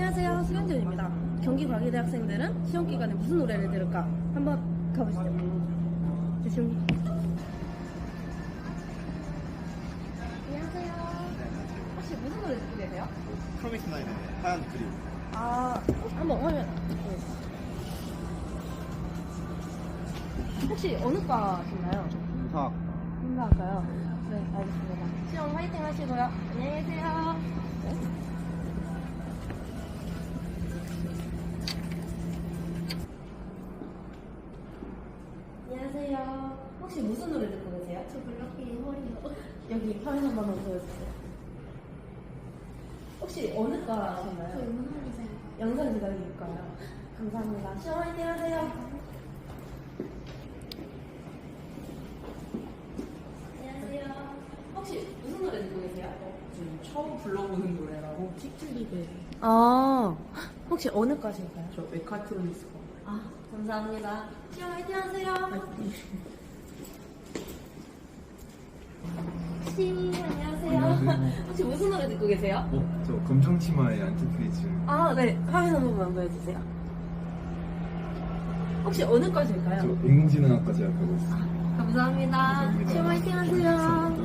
안녕하세요. 수경준입니다. 경기과기대 학생들은 시험 기간에 무슨 노래를 들을까? 한번 가보시죠. 지금 안녕하세요. 혹시 무슨 노래 듣고 계세요? 프로미스 나인의 하얀 그림. 한번 화면 보여주세요. 혹시 어느 과신가요? 인사학. 인사할까요? 네, 알겠습니다. 시험 화이팅 하시고요. 안녕히 계세요. 네. 안녕하세요. 혹시 무슨 노래 듣고 계세요? 저 블락비의 허리요. 여기 화면 한번 보여주세요. 혹시 어느 과신가요? 저 영상이세요. 영상기다릴까요? 감사합니다. 시험 화이팅 하세요. 안녕하세요. 혹시 무슨 노래 듣고 계세요? 지금 처음 불러보는 노래라고 틱틱리그 혹시 어느 과실까요? 저 메카트로니스코 감사합니다. 시험 화이팅 하세요. 안녕하세요. 혹시 무슨 노래 듣고 계세요? 저 검정치마의 안티프리즈. 네. 화면 한 번만 보여주세요. 혹시 어느 과실까요? 저 인공지능학과 재학하고 있어요. 감사합니다. 시험 화이팅 하세요.